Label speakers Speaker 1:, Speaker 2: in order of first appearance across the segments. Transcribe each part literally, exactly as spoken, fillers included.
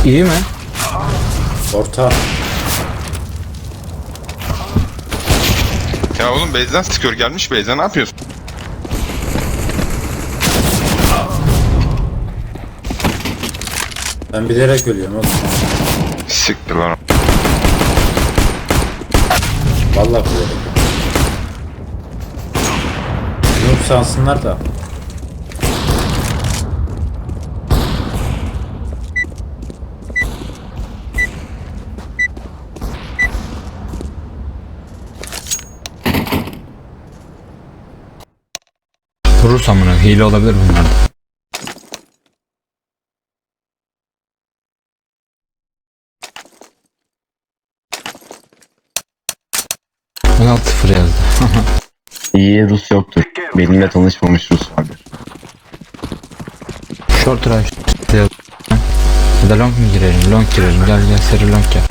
Speaker 1: İyi mi?
Speaker 2: Orta.
Speaker 3: Ya oğlum base'den sıkıyor, gelmiş base'den, ne yapıyorsun?
Speaker 2: Ben bilerek ölüyorum oğlum.
Speaker 3: Siktir lan.
Speaker 2: Vallahi bilerek. Yok sansınlar da.
Speaker 1: Vurursa amına hile olabilir bunlar da. on altı sıfır yazdı.
Speaker 4: İyi Rus yoktur. Benimle tanışmamış Rus vardır.
Speaker 1: Short rush yazdı. Ya da long mu girelim? Long girelim. Gel gel seri long gel.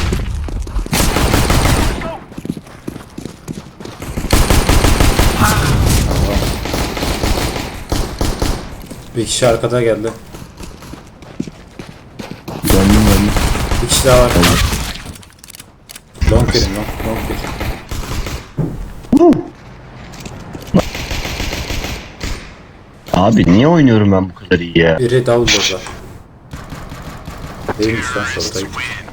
Speaker 2: Bir kişi arkada geldi.
Speaker 4: Döndüm döndüm.
Speaker 2: Bir kişi daha var. Long gelin long. Long gelin.
Speaker 4: Abi niye oynuyorum ben bu kadar iyi ya?
Speaker 2: Biri Davul'da. Değilmiş lan şoradayım.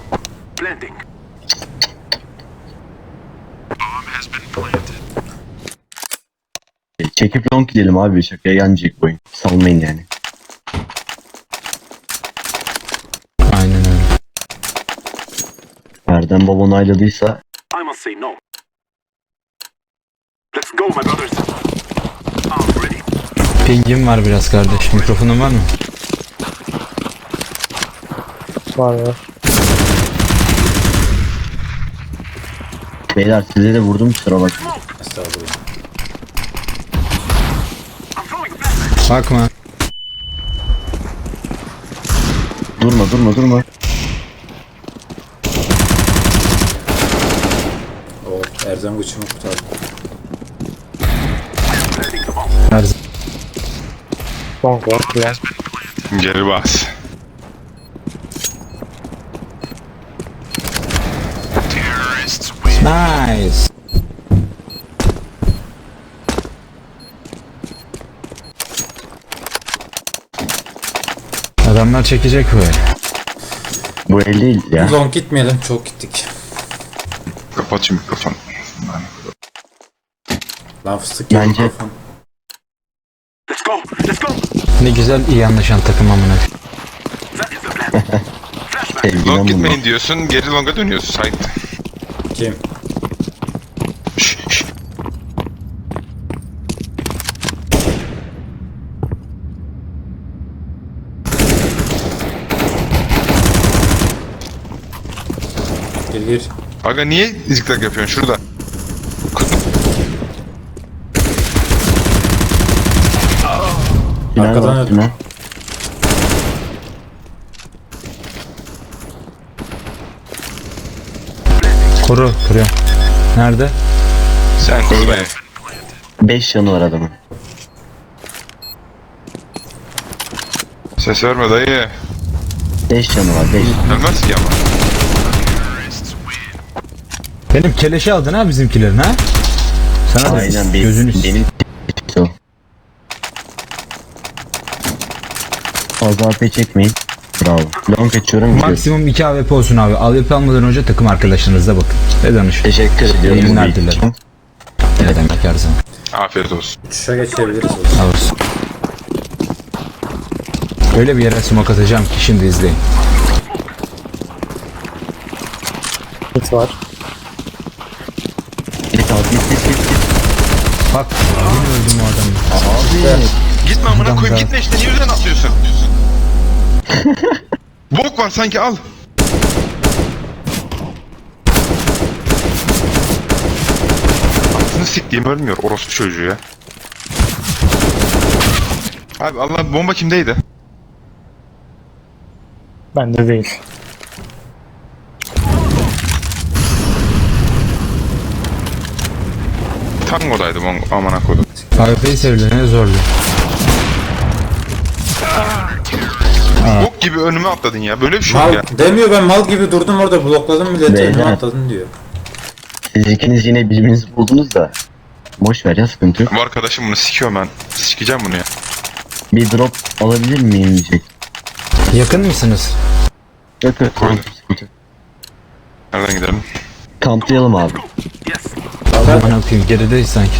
Speaker 4: Çekip long gidelim abi, şakaya gelmeyecek bu oyun. Salmayın yani.
Speaker 1: Aynen öyle.
Speaker 4: Erdem baba onayladıysa
Speaker 5: I must say no. Let's go, my brothers. I'm ready.
Speaker 1: Pingim var biraz kardeş. Mikrofonun var mı?
Speaker 6: Var var.
Speaker 4: beyler size de vurdum, kusura bak.
Speaker 2: Estağfurullah.
Speaker 5: I'm throwing a flashbang.
Speaker 1: Bakma.
Speaker 4: Durma durma durma.
Speaker 2: O Erzem Guç'umu kurtardı.
Speaker 5: Planting the bomb.
Speaker 1: Her
Speaker 6: Long var. Long.
Speaker 3: Geri bas.
Speaker 5: Terrorists win.
Speaker 1: Nice. Adamlar çekecek böyle.
Speaker 4: Bu el değil ya.
Speaker 2: Long gitmeyelim, çok gittik.
Speaker 3: Kapat şu mikrofonu.
Speaker 2: Lan fıstık gibi
Speaker 4: Bence-
Speaker 2: mikrofon.
Speaker 5: Let's go. Let's go.
Speaker 1: Ne güzel iyi anlaşan takım amına.
Speaker 5: That is the plan. Flashbang.
Speaker 4: Sevgiden
Speaker 3: Long
Speaker 4: bunlar.
Speaker 3: gitmeyin diyorsun, geri longa dönüyorsun site.
Speaker 2: Kim?
Speaker 3: Şş, şş.
Speaker 2: Gir gir.
Speaker 3: Aga niye zikzak yapıyorsun şurada?
Speaker 4: Final
Speaker 2: Arkadan
Speaker 4: var,
Speaker 2: öldü.
Speaker 4: final.
Speaker 1: Koru kuruyor. Nerede?
Speaker 3: Sen koru beni.
Speaker 4: beş yanı var adamın.
Speaker 3: Ses verme dayı.
Speaker 4: beş yanı var, beş.
Speaker 3: Ölmez ki ama.
Speaker 1: Benim keleşi aldın ha bizimkilerin ha? Sana da
Speaker 4: Aynen
Speaker 1: gözünü
Speaker 4: benim. Benim o. Fazla A P çekmeyin. Bravo. Long geçiyorum. gidiyorum.
Speaker 1: maksimum iki A W P olsun abi. A W P almadan önce takım arkadaşlarınızla bakın. Ve danışın.
Speaker 4: Teşekkür ediyorum.
Speaker 1: İyi günler
Speaker 4: bu
Speaker 1: dilerim.
Speaker 4: için.
Speaker 1: Ne demek her zaman.
Speaker 3: Afiyet olsun.
Speaker 2: Uçuşa geçebiliriz o zaman.
Speaker 1: Alırsın. Öyle bir yere smoke atacağım ki şimdi izleyin.
Speaker 6: Hit var.
Speaker 4: Git abi, git git git.
Speaker 1: Bak yine öldüm o adamı.
Speaker 4: Abi.
Speaker 3: Gitme amına
Speaker 1: Adam
Speaker 3: koyayım,
Speaker 1: da-
Speaker 3: gitme işte, niye üzerine atıyorsun? Bok var sanki, al. Aklını siktiğim ölmüyor orospu çocuğu ya. Abi Allah, bomba kimdeydi?
Speaker 6: Bende değil.
Speaker 3: Tango'daydı bomba, amına koydum.
Speaker 1: A W P'yi sevilen ne zorluyor. Aa.
Speaker 3: Bok gibi önüme atladın ya. Böyle bir şey yok
Speaker 2: Mal
Speaker 3: ya.
Speaker 2: demiyor, ben mal gibi durdum orada, blokladım milleti,
Speaker 4: Beyler.
Speaker 2: önüme atladın diyor.
Speaker 4: Siz ikiniz yine birbirinizi buldunuz da. Boş ver ya, sıkıntı yok.
Speaker 3: Bu arkadaşım bunu sikiyor ben. Sikeceğim bunu ya.
Speaker 4: Bir drop alabilir miyim diyecek.
Speaker 1: Yakın mısınız?
Speaker 4: Yok yok, tamam,
Speaker 3: Koydum.
Speaker 4: sıkıntı yok.
Speaker 3: Nereden gidelim?
Speaker 4: Kamplayalım abi.
Speaker 5: Yes.
Speaker 1: Aman okuyayım, gerideyiz sanki.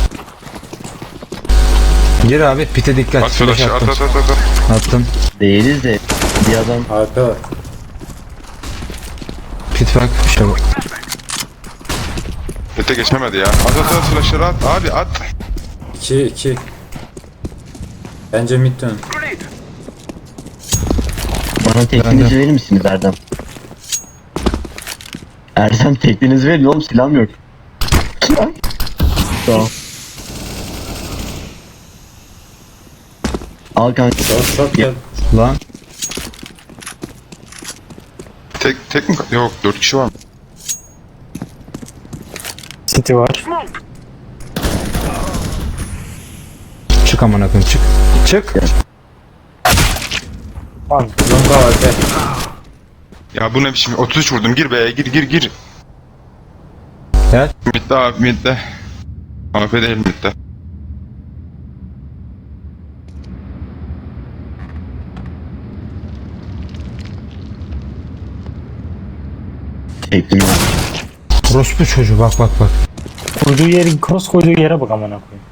Speaker 1: Gir abi, pite dikkat.
Speaker 3: At
Speaker 1: Flash
Speaker 3: flash'ı at
Speaker 1: attım.
Speaker 3: at at at.
Speaker 1: Attım.
Speaker 4: Değiliz de bir adam
Speaker 2: A P var.
Speaker 1: Pit bak, bir şey bak.
Speaker 3: Öte geçemedi ya. At at at flash'ları at. Abi at.
Speaker 2: iki iki. Bence mid dön.
Speaker 5: Grenade.
Speaker 4: bana tekniğinizi verir misiniz Erdem? Erdem tekniğinizi verin oğlum, silahım yok. Tamam. Al kanka.
Speaker 2: Short short gel.
Speaker 1: Lan.
Speaker 3: Tek tek mi? Yok dört kişi var mı?
Speaker 6: City var.
Speaker 5: Smoke.
Speaker 1: Çık aman okuyayım, çık. Çık.
Speaker 6: Lan
Speaker 2: Longa A P.
Speaker 3: Ya bu ne biçim? otuz üç vurdum. Gir be. Gir gir gir.
Speaker 1: Gel.
Speaker 3: Midde abi midde. A P değil midde.
Speaker 4: Tekniğim var.
Speaker 1: Orospu çocuğu, bak bak bak.
Speaker 6: koyduğu yerin cross koyduğu yere bak amına koyayım.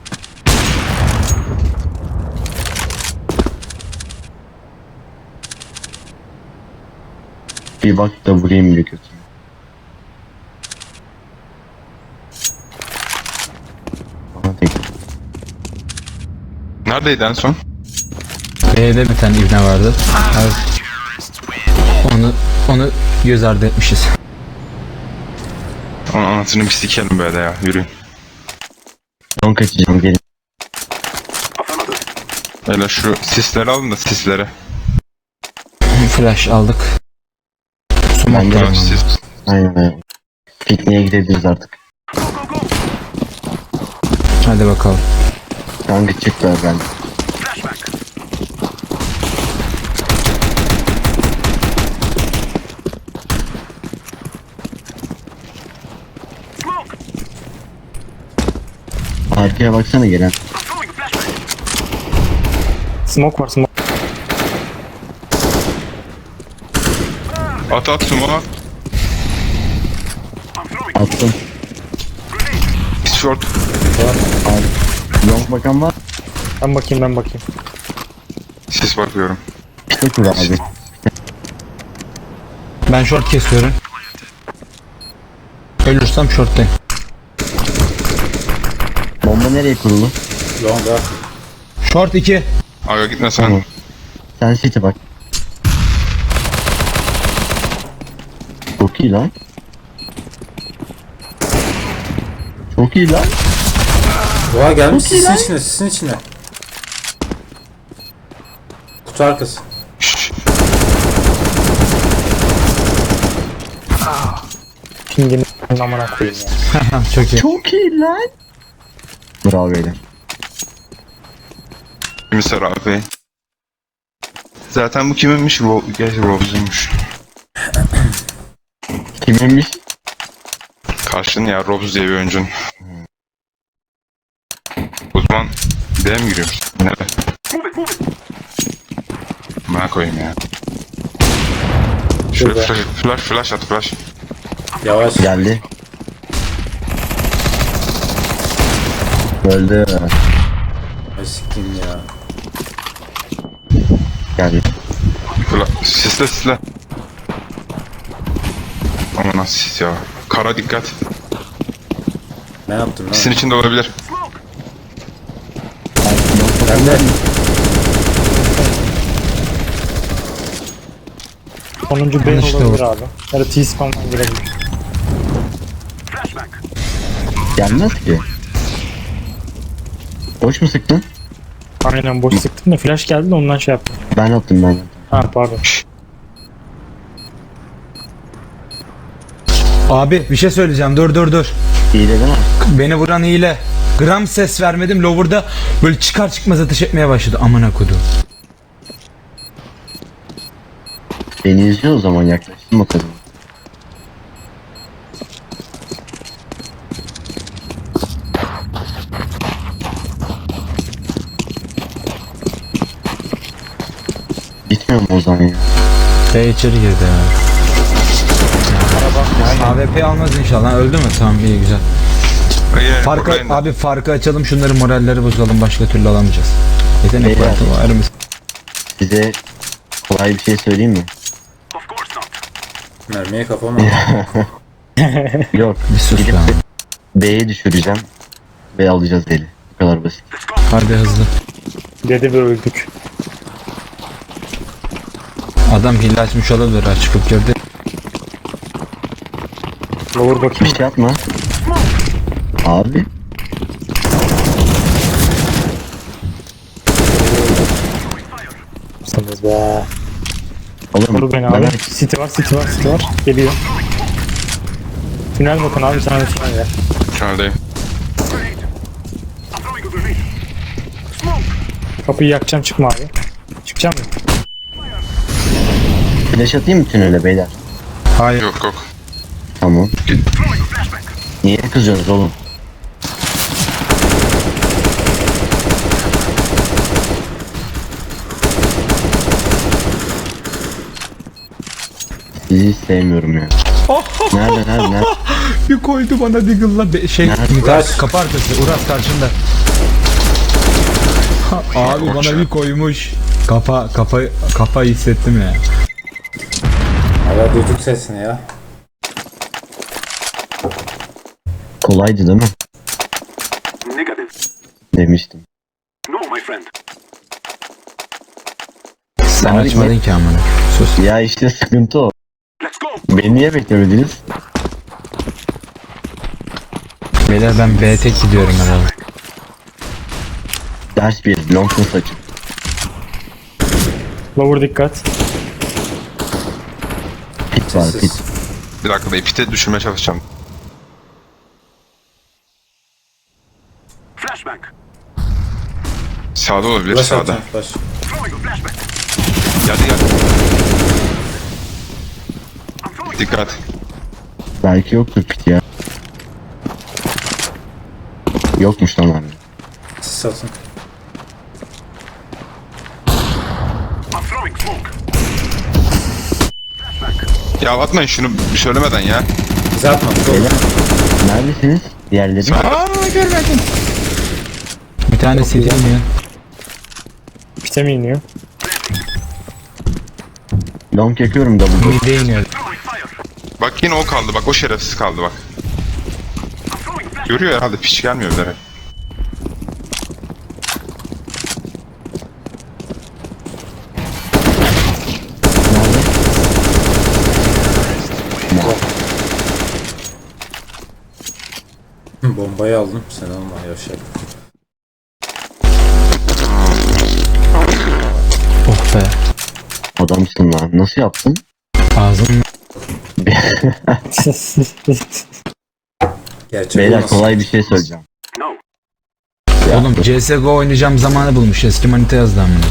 Speaker 4: Bir bak da vurayım bir kötü. Bana tek.
Speaker 3: Neredeydi en son?
Speaker 1: B'de bir tane ibne vardı. Abi, onu onu göz ardı etmişiz.
Speaker 3: Onun anasını bir sikelim böyle ya. Yürüyün.
Speaker 4: Son kaçacağım, gelin.
Speaker 5: Affirmative.
Speaker 3: Hele şu sisleri alın da sisleri.
Speaker 1: Flash aldık.
Speaker 4: Ben de
Speaker 1: Tamam.
Speaker 3: Sis.
Speaker 4: aynen aynen. Pikniğe gidebiliriz artık.
Speaker 5: Go go go.
Speaker 1: Hadi bakalım.
Speaker 4: Kanka çık ver ben.
Speaker 5: Flashback. Smoke.
Speaker 4: Arkaya baksana gelen.
Speaker 5: I'm throwing a flashback.
Speaker 6: Smoke var, smoke.
Speaker 3: At at sumo at.
Speaker 5: I'm throwing.
Speaker 4: Attım.
Speaker 3: Short.
Speaker 4: Abi. Long bakan var.
Speaker 6: Ben bakayım, ben bakayım.
Speaker 3: Sis bakıyorum.
Speaker 4: İşte kur abi.
Speaker 1: Ben short kesiyorum. Ölürsem shorttayım.
Speaker 4: Bomba nereye kurulu?
Speaker 2: Longa.
Speaker 1: Short iki.
Speaker 3: Aga gitme sen.
Speaker 4: Tamam. Sen city bak. Çok iyi lan. Çok iyi lan.
Speaker 2: Doğa gelmiş sisin içine, sisin içine. Kutu arkası.
Speaker 3: Şşş.
Speaker 6: Pingini amına koyayım ya.
Speaker 1: Çok iyi.
Speaker 4: Çok iyi lan. Bravo beyler.
Speaker 3: Mister abi. Zaten bu kiminmiş? Ro Gerçi Rose'uymuş.
Speaker 4: Kiminmiş?
Speaker 3: Karşın ya Robs diye bir oyuncun. O zaman D'ye mi giriyoruz? Nereye?
Speaker 5: Move it, move it.
Speaker 3: Bana koyayım ya. Şöyle
Speaker 2: Şurada.
Speaker 3: flash, flash, flash at flash.
Speaker 2: Yavaş.
Speaker 4: Geldi. Öldü.
Speaker 2: Ay siktim ya.
Speaker 4: Geldi.
Speaker 3: Flash. Sisle sisle. Aman nasıl sis ya. Kara dikkat.
Speaker 2: Ne yaptım lan?
Speaker 3: Sisin içinde olabilir.
Speaker 5: Smoke.
Speaker 2: Ben de.
Speaker 6: Sonuncu B
Speaker 1: Yanlış da
Speaker 6: olabilir
Speaker 1: olur.
Speaker 6: abi. Ya da T-spawn'dan girebilir.
Speaker 5: Flashback.
Speaker 4: Gelmez ki. Boş mu sıktın?
Speaker 6: Aynen boş sıktım da flash geldi de ondan şey yaptım.
Speaker 4: Ben attım ben.
Speaker 6: Ha pardon.
Speaker 1: Abi bir şey söyleyeceğim, dur dur dur.
Speaker 4: İyi de değil mi?
Speaker 1: Beni vuran hile. Gram ses vermedim, lower'da böyle çıkar çıkmaz ateş etmeye başladı. Amına koyduğum.
Speaker 4: Beni izliyor o zaman, yaklaştım bakalım. Gitmiyor mu o zaman ya?
Speaker 1: B içeri girdi ya. A W P almaz inşallah. Öldü mü? Tamam, iyi, güzel.
Speaker 3: Yine
Speaker 1: Farkı,
Speaker 3: buradayım da.
Speaker 1: abi farkı açalım, şunları moralleri bozalım, başka türlü alamayacağız. Yetenek
Speaker 4: Beyler.
Speaker 1: kartı var mı?
Speaker 4: Size kolay bir şey söyleyeyim mi?
Speaker 5: Of course not.
Speaker 2: Mermiye kafama attı.
Speaker 4: Yok.
Speaker 1: Bir sus
Speaker 4: Gidip
Speaker 1: lan.
Speaker 4: B'ye düşüreceğim ve alacağız eli. Bu kadar basit.
Speaker 5: Let's go.
Speaker 1: Hadi hızlı.
Speaker 6: Dedi ve öldük.
Speaker 1: Adam hile açmış olabilir, ha, çıkıp girdi.
Speaker 6: Lower
Speaker 4: Bir
Speaker 6: bakayım.
Speaker 4: şey yapma. Abi.
Speaker 6: Sanırız be.
Speaker 4: Oğlum
Speaker 6: Koru beni
Speaker 4: ben
Speaker 6: abi.
Speaker 4: herkes-
Speaker 6: City var, City var, City var. Geliyor. Tünel bakın abi, sana bir tünel ver.
Speaker 3: Tüneldeyim.
Speaker 5: Grenade. I'm throwing a grenade. Smoke.
Speaker 6: Kapıyı yakacağım, çıkma abi. Çıkacağım mı?
Speaker 4: flash atayım mı tünele beyler?
Speaker 1: Hayır.
Speaker 3: Yok yok.
Speaker 4: Tamam.
Speaker 5: Throwing a flashbang.
Speaker 4: Niye kızıyorsunuz oğlum? Sizi hiç sevmiyorum ya. Nerede nerede nerede?
Speaker 1: Bir koydu bana Deagle'la be- şey
Speaker 4: Nerede?
Speaker 1: Mithat, kapı arkası, Uras karşında. Ha, abi bana bir koymuş. Kafa kafa kafa hissettim ya.
Speaker 2: Hala duyduk sesini ya.
Speaker 4: Kolaydı değil mi?
Speaker 5: Negative.
Speaker 4: Demiştim.
Speaker 5: No, my friend.
Speaker 1: Sen
Speaker 4: Abi
Speaker 1: açmadın ki amına. Sus.
Speaker 4: Ya işte sıkıntı o.
Speaker 5: Let's go.
Speaker 4: Beni niye beklemediniz?
Speaker 1: Beyler ben B tek gidiyorum herhalde.
Speaker 4: Ders bir. Long'un saçı.
Speaker 6: Lower dikkat.
Speaker 4: Pit var
Speaker 2: Sessiz.
Speaker 4: pit.
Speaker 3: Bir dakika da pite düşürmeye çalışacağım.
Speaker 5: Flashbang.
Speaker 3: Sağda olabilir,
Speaker 2: Flash
Speaker 3: sağda.
Speaker 2: atacağım flash.
Speaker 5: Throwing a flashbang.
Speaker 3: Geldi geldi.
Speaker 5: I'm throwing.
Speaker 3: Dikkat.
Speaker 4: Belki yoktur pit ya. Yokmuş lan abi.
Speaker 2: Sis atın.
Speaker 5: I'm throwing smoke. Flashbang.
Speaker 3: Ya atmayın şunu söylemeden ya.
Speaker 2: Bize atma. Bize
Speaker 4: Beyler. Neredesiniz? Diğerleri.
Speaker 1: Aa görmedim. Bir tane C D iniyor.
Speaker 6: Pite mi iniyor?
Speaker 4: Long yakıyorum double.
Speaker 1: Mid'e iniyor.
Speaker 5: Throwing fire.
Speaker 3: Bak yine o kaldı, bak o şerefsiz kaldı bak.
Speaker 5: I'm throwing flashbang.
Speaker 3: Görüyor herhalde, piç gelmiyor bilerek.
Speaker 2: Hı, bombayı aldım. Sen alma yavşak.
Speaker 1: Oh be.
Speaker 4: Adamsın lan. Nasıl yaptın?
Speaker 1: Ağzım.
Speaker 2: Gerçek
Speaker 4: Beyler
Speaker 2: olmasın.
Speaker 4: kolay bir şey söyleyeceğim.
Speaker 5: No.
Speaker 1: Oğlum C S G O oynayacağım zamanı bulmuş. Eski manita yazdı amına.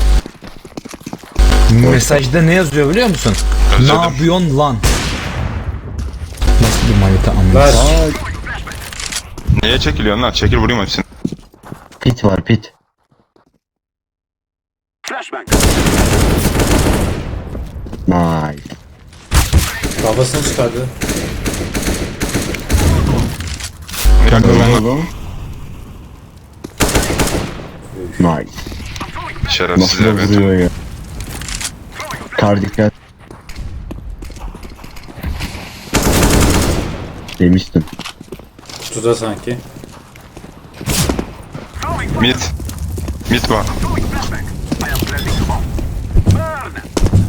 Speaker 1: Mesajda ne yazıyor biliyor musun?
Speaker 3: Özledim.
Speaker 1: Ne yapıyorsun lan? Nasıl bir manita amına?
Speaker 2: Flash.
Speaker 3: Neye çekiliyorsun lan? Çekil vurayım hepsini.
Speaker 4: Pit var pit.
Speaker 5: Flashbang.
Speaker 4: Nice.
Speaker 2: Kafasını çıkardı.
Speaker 3: Bir dakika ben
Speaker 4: Oğlum. Nice.
Speaker 3: şerefsiz
Speaker 4: Nasıl da
Speaker 3: evet.
Speaker 4: vuruyor ya. Kar dikkat. Demiştim.
Speaker 2: Kutuda sanki.
Speaker 5: Throwing
Speaker 3: Mid. Mid var.
Speaker 5: throwing flashbang. I am planting smoke. Burn.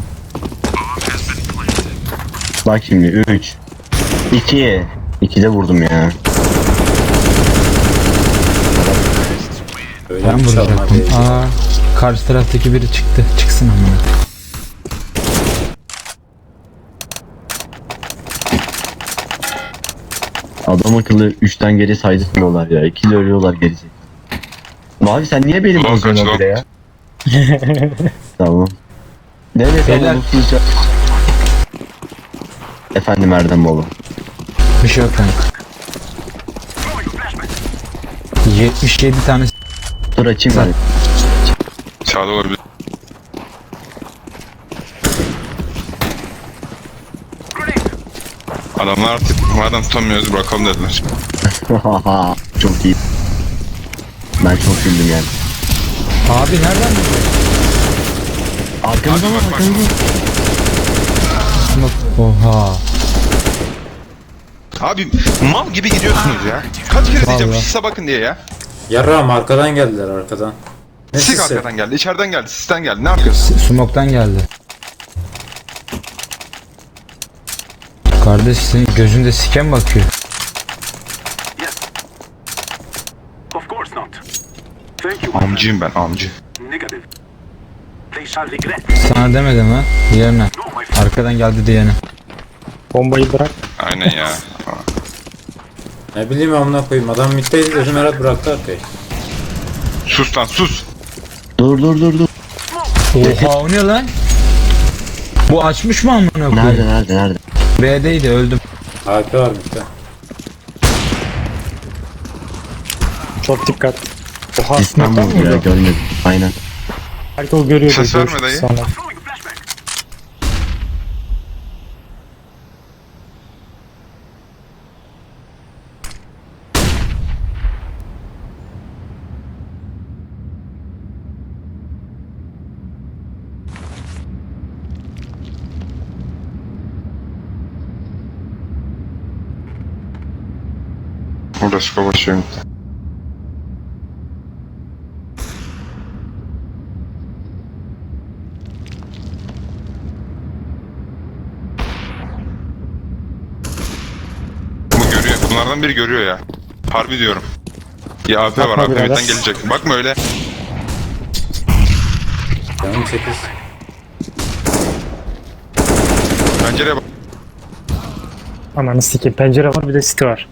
Speaker 4: Bak şimdi üç iki ikide vurdum ya.
Speaker 2: Öyle
Speaker 1: Ben
Speaker 2: bir çalma
Speaker 1: vuracaktım.
Speaker 2: değil.
Speaker 1: Aa, karşı taraftaki biri çıktı. Çıksın amına.
Speaker 4: Adam akıllı üçten geri saydırmıyorlar ya. İkili ölüyorlar gelecek. Mavi sen niye benim
Speaker 3: Long
Speaker 4: bozuyorsun
Speaker 3: kaç,
Speaker 4: bile ya? Tamam. Nerede sen
Speaker 1: Beyler.
Speaker 4: unutunca? Efendim Erdem
Speaker 1: Bir şey yok kanka. yetmiş yedi tane
Speaker 4: Dur açayım ben.
Speaker 3: Sağda olabilir. Adamlar artık madem tutamıyoruz bırakalım dediler.
Speaker 4: Çok iyi. Ben çok güldüm yani.
Speaker 1: Abi nereden biliyorsun?
Speaker 4: Arkamıza
Speaker 3: Hadi
Speaker 4: bak
Speaker 3: bak, bak.
Speaker 4: arkamıza.
Speaker 1: Oha.
Speaker 3: Abi mal gibi gidiyorsunuz ya. Kaç kere diyeceğim
Speaker 1: Vallahi.
Speaker 3: sise bakın diye ya.
Speaker 2: Yarrağım arkadan geldiler arkadan. Ne
Speaker 3: Sik
Speaker 2: sisi?
Speaker 3: arkadan geldi, içeriden geldi, sisten geldi. Ne yapıyorsun?
Speaker 1: Smoke'tan geldi. Kardeş senin gözünde siken bakıyor.
Speaker 5: Yes. Of course not. Thank you.
Speaker 3: Amcıyım ben, amcı.
Speaker 5: Negative. They shall regret.
Speaker 1: Sana demedim ha. Diğerine.
Speaker 5: No, my friend.
Speaker 1: Arkadan geldi diyene.
Speaker 6: Bombayı bırak.
Speaker 3: Aynen ya.
Speaker 2: Ne bileyim amına koyayım. Adam middeydi dedim Erat bıraktı arkayı.
Speaker 3: Sus lan sus.
Speaker 4: Dur dur dur dur.
Speaker 1: Oha o ne lan? Bu açmış mı amına
Speaker 4: Nerede
Speaker 1: koyayım?
Speaker 4: nerede nerede?
Speaker 1: B'deydi öldüm.
Speaker 2: A P var midde.
Speaker 6: Çok dikkat. Oha
Speaker 4: Sistem
Speaker 6: smoke'tan
Speaker 4: vurdu ya
Speaker 6: vurdu.
Speaker 4: görmedim. Aynen.
Speaker 6: Belki o görüyor.
Speaker 3: Ses
Speaker 6: diye
Speaker 3: verme dayı.
Speaker 6: sonra.
Speaker 5: Throwing a flashback.
Speaker 3: Burada şuka başlıyorum. Bu görüyor. Bunlardan biri görüyor ya. Harbi diyorum. Ya A P var,
Speaker 6: Bakma
Speaker 3: A P
Speaker 6: birader.
Speaker 3: midden gelecek. Bakma öyle.
Speaker 2: Canım sekiz.
Speaker 3: Pencereye bak.
Speaker 6: Ananı sikeyim. Pencere var bir de site var.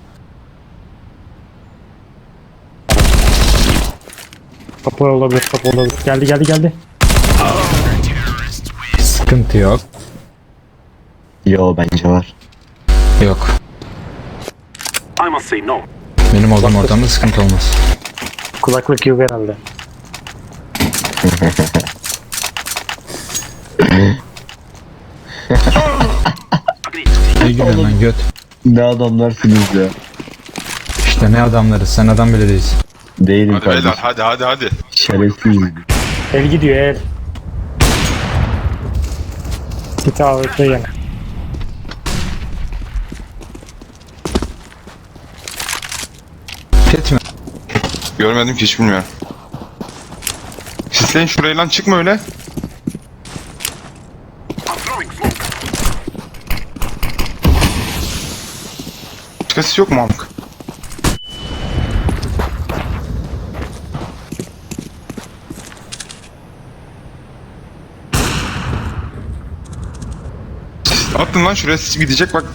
Speaker 6: Kapı olabilir, kapı olabilir. Geldi geldi geldi.
Speaker 1: Sıkıntı yok.
Speaker 4: Yo bence var.
Speaker 1: Yok.
Speaker 5: I must say no.
Speaker 1: Benim olduğum ortamda sıkıntı olmaz.
Speaker 6: Kulaklık yok herhalde.
Speaker 5: Agreed.
Speaker 1: İyi gün lan göt.
Speaker 4: Ne adamlarsınız ya.
Speaker 1: İşte ne adamlarız, sen adam bile değilsin.
Speaker 4: Değilim
Speaker 3: Hadi beyler,
Speaker 4: kardeşim.
Speaker 3: hadi hadi hadi.
Speaker 4: Şerefsiz.
Speaker 6: El gidiyor el. Site A W P yine.
Speaker 1: Pet mi?
Speaker 3: Görmedim ki hiç bilmiyorum. Sisleyin şurayı lan, çıkma öyle.
Speaker 5: I'm throwing smoke.
Speaker 3: Başka sis yok mu amk? Sis attın lan şuraya, sis gidecek bak.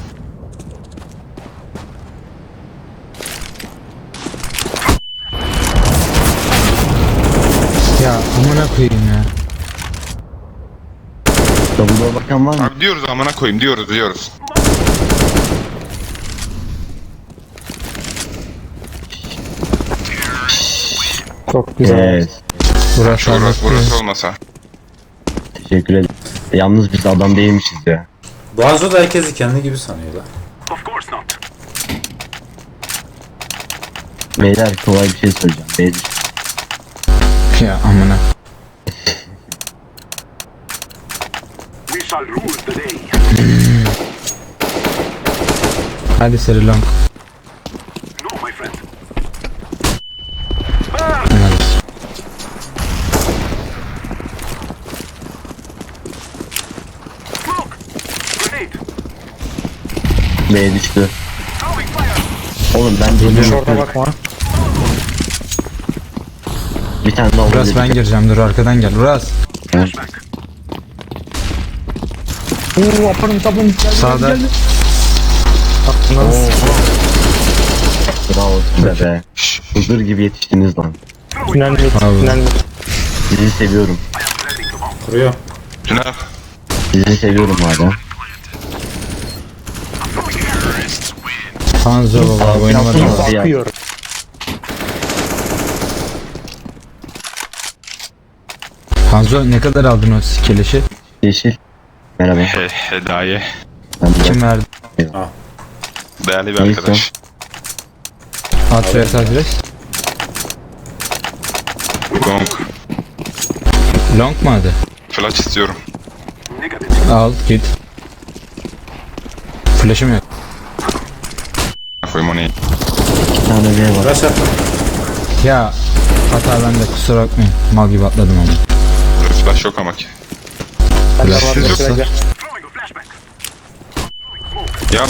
Speaker 1: Ya amına koyayım ya.
Speaker 4: Double'a bakan var mı?
Speaker 3: Abi diyoruz amına koyayım, diyoruz diyoruz.
Speaker 6: Çok güzel.
Speaker 4: Evet.
Speaker 1: Burası
Speaker 3: Şurası
Speaker 1: olmaz.
Speaker 3: burası olmasa.
Speaker 4: Teşekkür ederim. Yalnız biz adam değilmişiz ya.
Speaker 2: Boğazı da herkesi kendi gibi sanıyorlar.
Speaker 5: Of course not.
Speaker 4: Beyler kolay bir şey söyleyeceğim. Beyler.
Speaker 1: Ya amına.
Speaker 5: We shall rule the day.
Speaker 1: Hadi seri long.
Speaker 5: No, my friend.
Speaker 1: Anlarız.
Speaker 5: Smoke. Grenade.
Speaker 4: B'ye düştü.
Speaker 5: Throwing fire.
Speaker 4: Oğlum ben
Speaker 6: Hiç
Speaker 4: değilim.
Speaker 6: orada bakma.
Speaker 4: Bir tane daha
Speaker 1: Uras
Speaker 4: olabilir.
Speaker 1: ben gireceğim, dur arkadan gel. Uras.
Speaker 5: Flashback.
Speaker 6: Uuu aparım tabım. Geldi
Speaker 1: Sağda.
Speaker 6: geldi. Aklına
Speaker 4: Oo. Bravo size be.
Speaker 3: Şşş.
Speaker 4: Huzur gibi yetiştiniz lan.
Speaker 6: Tünel mi?
Speaker 1: Abi.
Speaker 6: Tünel mi?
Speaker 4: Sizi seviyorum.
Speaker 5: Letting the bomb.
Speaker 2: Kuruyor.
Speaker 3: Tünel.
Speaker 4: Sizi seviyorum hala.
Speaker 1: Hanzo baba
Speaker 4: Abi,
Speaker 1: oynamadı.
Speaker 4: yaptınız.
Speaker 1: mı?
Speaker 4: Ya.
Speaker 6: Bakıyorum.
Speaker 1: Hanzo ne kadar aldın o keleşi?
Speaker 4: Yeşil. Merhaba.
Speaker 3: He, Hedaye.
Speaker 4: Ben de
Speaker 1: Kim verdi?
Speaker 3: Değerli bir
Speaker 4: Neyse.
Speaker 3: arkadaş.
Speaker 1: Adres adres.
Speaker 3: Long.
Speaker 1: Long mu adı?
Speaker 3: Flash istiyorum.
Speaker 1: Al git. Flash'ım yok.
Speaker 3: Koyayım onu iyi.
Speaker 4: bir tane V var.
Speaker 2: Rush attım.
Speaker 1: Ya hata bende, kusura bakmayın. Mal gibi atladım ama.
Speaker 3: Flash yok ama ki.
Speaker 6: Ben de var
Speaker 3: Siz
Speaker 6: mesela.
Speaker 3: yoksa-
Speaker 5: Throwing a flashback.
Speaker 3: Ya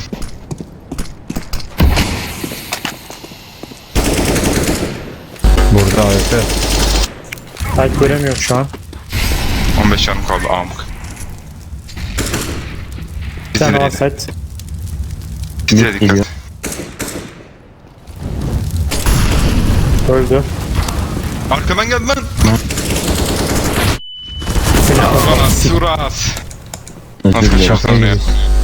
Speaker 1: Burada A W P.
Speaker 6: Site göremiyorum şu an.
Speaker 3: on beş canım kaldı amk.
Speaker 6: Bir tane var
Speaker 3: Bizi
Speaker 6: site.
Speaker 3: Bize
Speaker 4: Mid geliyor.
Speaker 3: dikkat.
Speaker 6: Öldü.
Speaker 3: Arkadan geldi lan.
Speaker 6: Seni
Speaker 3: Bana surat.
Speaker 4: Özür
Speaker 3: Nasıl
Speaker 4: dilerim.
Speaker 3: şaka?
Speaker 1: Şaka gibiyiz.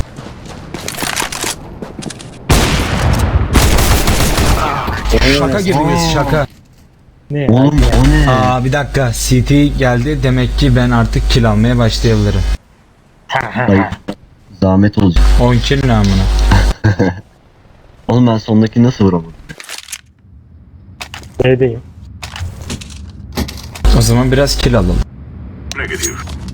Speaker 1: Şaka gibiyiz şaka.
Speaker 6: ne?
Speaker 4: Oğlum o ne?
Speaker 1: Aa bir dakika, C T geldi, demek ki ben artık kill almaya başlayabilirim.
Speaker 4: Hayır. Zahmet olacak.
Speaker 1: on kill ne amına.
Speaker 4: Oğlum ben sondaki nasıl vuramadım?
Speaker 6: B'deyim.
Speaker 1: O zaman biraz kill alalım.
Speaker 5: Negative.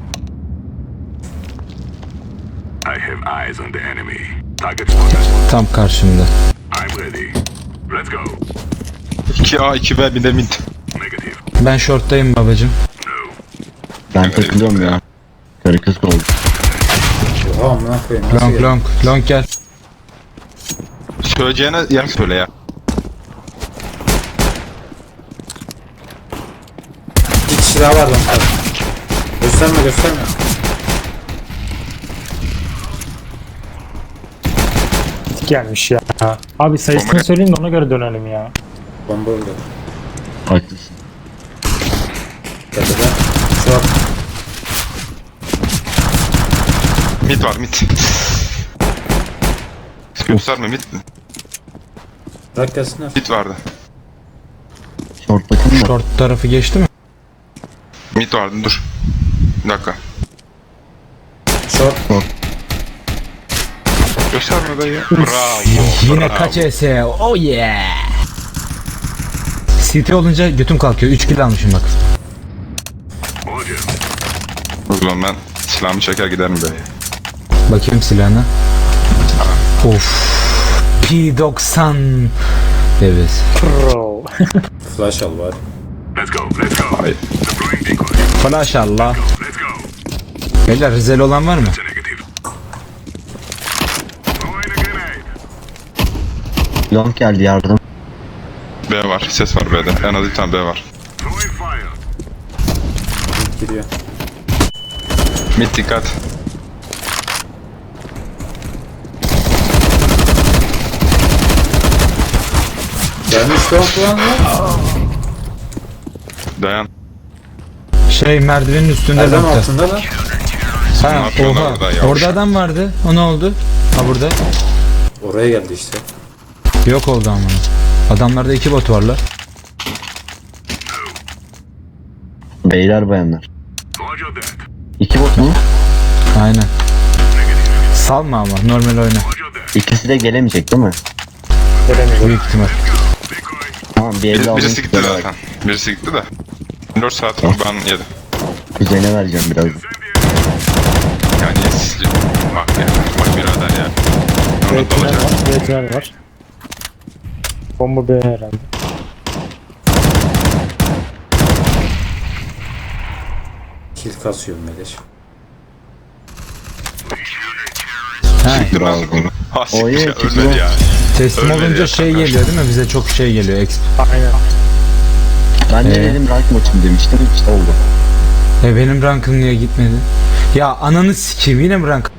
Speaker 5: I have eyes on the enemy. Target spotted.
Speaker 1: Tam karşımda.
Speaker 5: I'm ready. Let's go.
Speaker 3: iki A iki B bir de mid.
Speaker 5: Negative.
Speaker 1: Ben short'tayım babacım.
Speaker 4: Ben takılıyorum ya. Karı kız oldu.
Speaker 2: Oha amına koyayım. Nasıl
Speaker 1: Long
Speaker 2: geldi?
Speaker 1: long long gel.
Speaker 3: Söyleyeceğine yer söyle ya.
Speaker 2: Bir kişi daha var lan. Gösterme gösterme.
Speaker 6: Gelmiş ya. Abi sayısını
Speaker 3: Bomba-
Speaker 6: söyleyin de ona göre dönelim ya.
Speaker 2: Bomba öldü.
Speaker 4: Haklısın.
Speaker 2: Tepede. Short.
Speaker 3: Mid var mid. Gösterme mid.
Speaker 2: Bırak gelsinler.
Speaker 3: Mid vardı.
Speaker 4: Short bakın da.
Speaker 1: Short tarafı geçti mi?
Speaker 3: Mid vardı dur. Bir dakika.
Speaker 2: Short.
Speaker 3: Gösterme be ya. Bravo.
Speaker 1: Yine
Speaker 3: bravo.
Speaker 1: kaç E S? Oh yeah. C T olunca götüm kalkıyor. üç kill almışım bak.
Speaker 5: Roger.
Speaker 3: O zaman ben silahımı çeker giderim be.
Speaker 1: Bakayım silahına. Of. P doksan. Evet.
Speaker 6: Pro.
Speaker 2: Flash al bari.
Speaker 5: Let's go. Let's go.
Speaker 3: Hayır.
Speaker 5: Deploying decoy.
Speaker 1: Flash Allah.
Speaker 5: Let's go.
Speaker 1: Beyler Rizeli olan var mı?
Speaker 5: It's a negative. Throwing a grenade.
Speaker 4: Long geldi yardım.
Speaker 3: B var. Ses var B'de. En az bir tane B var.
Speaker 5: Throwing fire.
Speaker 2: Gidiyor.
Speaker 3: Mid dikkat.
Speaker 2: Gelmiş long lan lan.
Speaker 3: Dayan.
Speaker 1: Şey merdivenin üstünde
Speaker 2: Erdem
Speaker 1: nokta.
Speaker 2: altında lan.
Speaker 1: Ha,
Speaker 3: Ne yapıyorlar
Speaker 1: oha.
Speaker 3: orada ya?
Speaker 1: Orada adam vardı. O ne oldu? Ha burada.
Speaker 2: Oraya geldi işte.
Speaker 1: Yok oldu amına. Adamlarda iki bot var la.
Speaker 4: Beyler bayanlar.
Speaker 5: Roger that.
Speaker 4: İki bot mu?
Speaker 1: Aynen. Salma ama normal oyna.
Speaker 5: Roger that.
Speaker 4: İkisi de gelemeyecek değil mi?
Speaker 6: Göremiyorum.
Speaker 1: Büyük ihtimal.
Speaker 5: Decoy.
Speaker 4: Tamam bir
Speaker 3: Bir,
Speaker 4: elde aldım.
Speaker 3: birisi gitti zaten. Birisi gitti de. dört saat var ben yedim.
Speaker 4: Kuzene vereceğim biraz.
Speaker 3: Yani siz... Bak ya. Bak birader ya. Onu
Speaker 6: B tünel
Speaker 3: dalacak.
Speaker 6: var. B tünel var. Bomba B herhalde.
Speaker 2: Kill kasıyorum Meleş.
Speaker 1: Ha,
Speaker 3: Siktir lan bunu. Ha
Speaker 4: Oy,
Speaker 3: siktir ya,
Speaker 4: çıkıyor.
Speaker 3: ölmedi ya.
Speaker 1: teslim
Speaker 3: Ölmedi
Speaker 1: olunca
Speaker 3: ya
Speaker 1: şey
Speaker 3: kanka.
Speaker 1: geliyor değil mi? Bize çok şey geliyor. Exp.
Speaker 6: Aynen.
Speaker 4: Ben de
Speaker 1: Ee?
Speaker 4: dedim rank maçım demiştim. İşte oldu.
Speaker 1: E benim rankım niye gitmedi? Ya ananı sikeyim, yine mi rank?